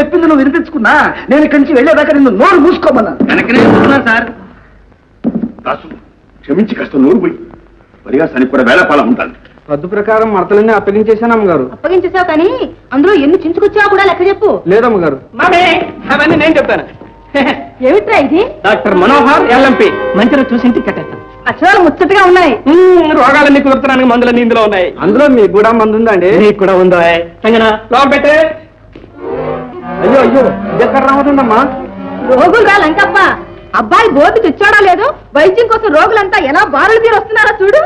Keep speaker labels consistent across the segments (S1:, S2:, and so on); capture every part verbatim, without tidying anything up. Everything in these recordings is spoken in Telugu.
S1: చెప్పింది నువ్వు వినిపించుకున్నా నేను ఇక్కడి నుంచి వెళ్ళేదాకా నిన్ను నోరు మూసుకోమన్నాను.
S2: వెనకనే సార్. దాసు క్షమించి కాస్త నోరు పోయి పరిహాసానికి కూడా వేళపాలం ఉంటాను.
S1: పద్దు ప్రకారం మడతలన్నీ అప్పగించేశాను అమ్మగారు.
S3: అప్పగించేసావు కానీ అందులో ఎన్ని చించుకొచ్చావు కూడా లెక్క చెప్పు.
S1: లేదమ్మగారు.
S2: అవన్నీ నేను చెప్తాను.
S3: ఏమిట్రా ఇది?
S2: డాక్టర్ మనోహర్ ఎల్ఎంపీ మంచిగా చూసి ఇంటికి కట్టేస్తాను.
S3: అక్షరాలు ముచ్చటగా ఉన్నాయి.
S2: రోగాలన్నీ కుదురుతున్నానికి మందులన్నీ ఇందులో ఉన్నాయి.
S1: అందులో మీకు కూడా మందు ఉందండి?
S2: నీకు కూడా ఉందా? లోపల పెట్టే.
S1: అయ్యో అయ్యో ఎక్కడ రావదండమ్మా.
S3: రోగులు రా లంకప్ప. అబ్బాయి బోర్డు తెచ్చాడా లేదు, వైద్యం కోసం రోగులంతా ఎలా బారులు తీరు వస్తున్నారా చూడు.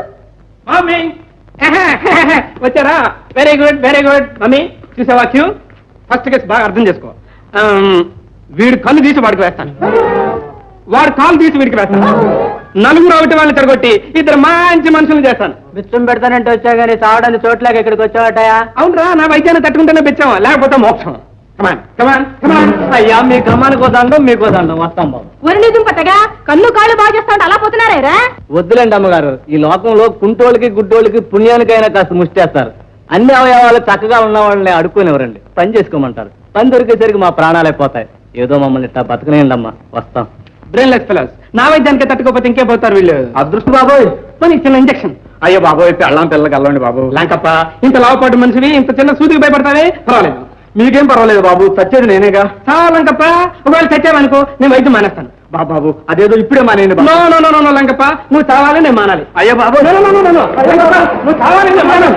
S2: వచ్చారా? Very good very good. Mummy చూసావా క్యూ? ఫస్ట్ కేసు బాగా అర్థం చేసుకో. వీడు కళ్ళు తీసి వాడికి వేస్తాను, వాడు కాలు తీసి వీడికి వేస్తాను. నలుగురు ఒకటి వాళ్ళని తిరగొట్టి ఇద్దరు మంచి మనుషులు చేస్తాను.
S1: బిచ్చం పెడతానంటే వచ్చా గానీ తాగడానికి చోట్లేక ఇక్కడికి వచ్చావటయా?
S2: అవునరా, నా వైద్యాన్ని తట్టుకుంటేనే పెంచావా, లేకపోతే మోక్షం. కమాన్ కమాన్ కమాన్.
S1: అయ్యా మీ కమ్మానికి దండం మీకు దండం. వస్తాం బాబు.
S3: ఒరి నిజం పట్టగా కన్ను కాళ్ళు బాగా చేస్తా ఉంటే అలా పోతున్నారా?
S1: వద్దులేండి అమ్మగారు, ఈ లోకంలో కుంటోళ్ళకి గుడ్డోళ్ళకి పుణ్యానికైనా కాస్త ముష్టేస్తారు. అన్ని అవయవాలు చక్కగా ఉన్న వాళ్ళని అడుక్కునేవరండి, పని చేసుకోమంటారు. పని దొరికేసరికి మా ప్రాణాలే పోతాయి. ఏదో మమ్మల్ని ఇట్టా బతకనేయండి అమ్మా. వస్తాం.
S2: Brainless fellows. నా వైద్యానికి తట్టుకోపోతే ఇంకే పోతారు వీళ్ళు.
S1: అదృష్టం బాబోయ్.
S2: పని చిన్న ఇంజక్షన్.
S1: అయ్యో బాబోయ్, పెళ్ళం పిల్లకి వెళ్ళండి బాబు.
S2: లేకప్ప ఇంత లావుపాటు మనిషివి ఇంత చిన్న సూదికి భయపడతావే? పర్వాలేదు.
S1: మీకేం పర్వాలేదు బాబు, చచ్చేది నేనేగా.
S2: చాలా లంకప్ప, ఒకవేళ చచ్చావనుకో నేను వైద్యం మానేస్తాను.
S1: బాబు బాబు అదేదో ఇప్పుడే మానేయండి.
S2: No no no no Lankappa, నువ్వు చావాలి నేను మానాలి.
S1: అయ్యో బాబు
S2: నువ్వు చావాలి నేను మానాలి.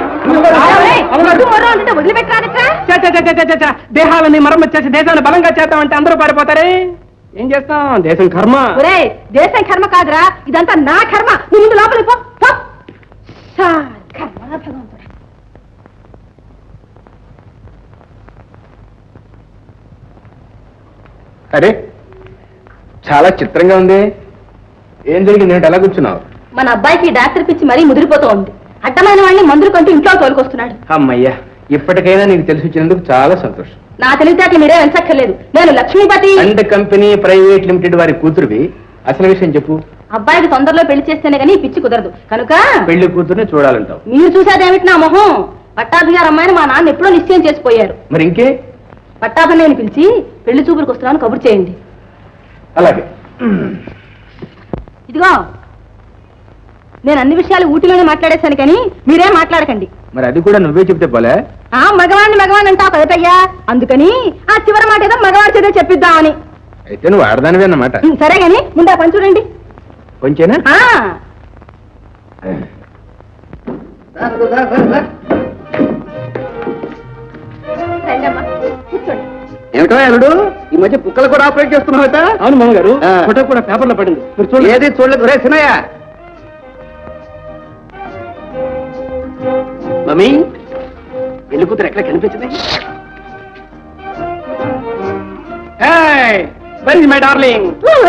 S3: వదిలిపెట్టరా?
S2: దేహాలని మరమ్మతు చేసి దేశాన్ని బలంగా చేద్దామంటే అందరూ పారిపోతారే. ఏం చేస్తాం, దేశం కర్మ.
S3: ఒరే దేశం కర్మ కాదురా, ఇదంతా నా కర్మ. నువ్వు ముందు లోపలికి పో. కర్మ భగవంతుడా.
S1: అరే చాలా చిత్రంగా ఉంది. ఏం జరిగింది? నేను ఎలా కూర్చున్నావు?
S3: మన అబ్బాయికి డాక్టర్ పిచ్చి మరీ ముదిరిపోతూ ఉంది. అడ్డమైన వాడిని మందులు కంటూ ఇంట్లో తోలుకొస్తున్నాడు.
S1: అమ్మయ్యా, ఇప్పటికైనా నీకు తెలిసి వచ్చినందుకు చాలా సంతోషం.
S3: నా తెలివితేటలు మీరే వెంచక్కర్లేదు. నేను Lakshmipati
S1: and company private limited వారి కూతురువి. అసలు విషయం చెప్పు.
S3: అబ్బాయికి తొందరలో పెళ్లి చేస్తేనే కానీ పిచ్చి కుదరదు కనుక
S1: పెళ్లి కూతురుని చూడాలంటావు.
S3: మీరు చూసేదేమిటి నా మొహం? పట్టాభిగారు అమ్మాయిని మా నాన్న ఎప్పుడో నిశ్చయం చేసిపోయారు.
S1: మరి ఇంకే?
S3: పట్టాభిని పిలిచి పెళ్లి చూపులకు వస్తున్నాను కబురు చేయండి.
S1: అలాగే.
S3: ఇదిగో నేను అన్ని విషయాలు ఊటిలోనే మాట్లాడేశాను కానీ మీరేం మాట్లాడకండి.
S1: మరి అది కూడా నువ్వే చెప్తే పోలే.
S3: ఆ మగవాడిని మగవాడిని అంటావు కదటయ్యా, అందుకని ఆ చివరి మాట ఏదో మగవాడి చేత చెప్పిద్దామని.
S1: అయితే నువ్వు ఆడదానివే అన్నమాట.
S3: సరే గాని ముందు ఆ పని చూడండి.
S1: కొంచెనా?
S3: కూర్చోండి.
S1: ఏమిటో అల్లుడు, ఈ మధ్య కుక్కలు కూడా ఆపరేట్ చేస్తున్నావుట?
S2: అవును మామగారు, ఫోటో కూడా పేపర్లో పడింది. మీరు చూడండి.
S1: ఏది చూడలేదు రే సినయ్య.
S2: మమ్మీ పెళ్లి కూతురు ఎక్కడ కనిపించింది? My darling.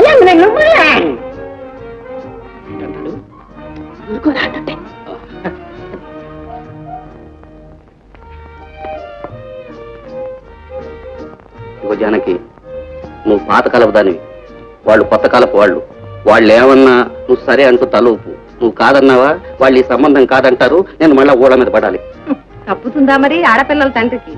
S4: జానకి, నువ్వు పాతకాలపు దానివి, వాళ్ళు కొత్త కాలపు వాళ్ళు. వాళ్ళు ఏమన్నా నువ్వు సరే అంటూ తలూపు. నువ్వు కాదన్నావా వాళ్ళు ఈ సంబంధం కాదంటారు. నేను మళ్ళా ఊళ్ళ మీద పడాలి.
S3: తప్పుతుందా మరి ఆడపిల్లల తండ్రికి?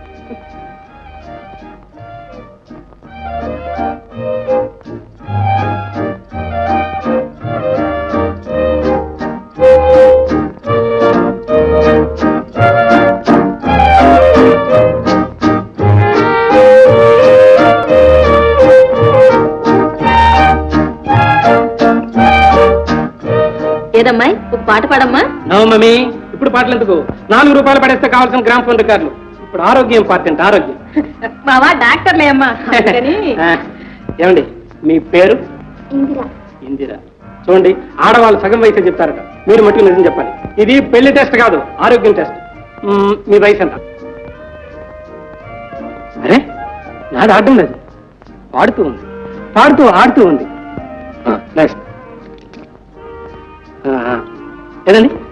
S3: ఏదమ్మాయి ఒక పాట పాడమ్మా.
S2: నో మమ్మీ, ఇప్పుడు పాటలు ఎందుకు? నాలుగు రూపాయలు పడేస్తే కావాల్సిన గ్రామ ఫోన్ రికార్డులు. ఇప్పుడు ఆరోగ్యం ఇంపార్టెంట్. ఆరోగ్యం.
S3: మావా డాక్టర్లే అమ్మా.
S2: ఏమండి మీ పేరు?
S3: ఇందిరా.
S2: ఇందిరా. చూడండి, ఆడవాళ్ళు సగం వయసు చెప్తారట, మీరు మట్టుకు నిజం చెప్పాలి. ఇది పెళ్లి టెస్ట్ కాదు, ఆరోగ్యం టెస్ట్. మీ వయసు ఎంత? అరే నాది ఆడడం లేదు, పాడుతూ ఉంది, పాడుతూ ఆడుతూ ఉంది. నెక్స్ట్ ఏదండి?